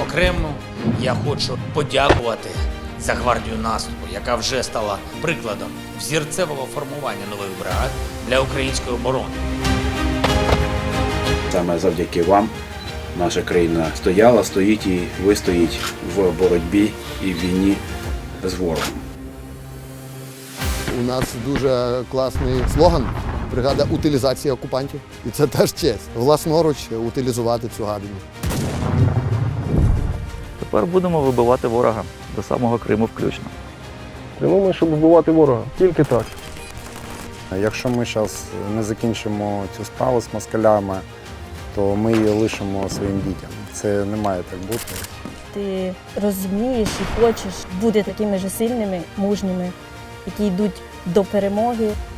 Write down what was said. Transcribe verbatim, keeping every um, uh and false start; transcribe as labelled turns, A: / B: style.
A: окремо я хочу подякувати за гвардію наступу, яка вже стала прикладом взірцевого формування нових бригад для української оборони.
B: Саме завдяки вам наша країна стояла, стоїть і вистоїть в боротьбі і в війні з ворогом.
C: У нас дуже класний слоган «Бригада утилізації окупантів». І це теж честь. Власноруч утилізувати цю гадину.
D: Тепер будемо вибивати ворога до самого Криму включно.
E: Прямуємо, щоб вбивати ворога. Тільки так.
F: Якщо ми зараз не закінчимо цю справу з москалями, то ми її лишимо своїм дітям. Це не має так бути.
G: Ти розумієш і хочеш бути такими ж сильними, мужніми, які йдуть до перемоги.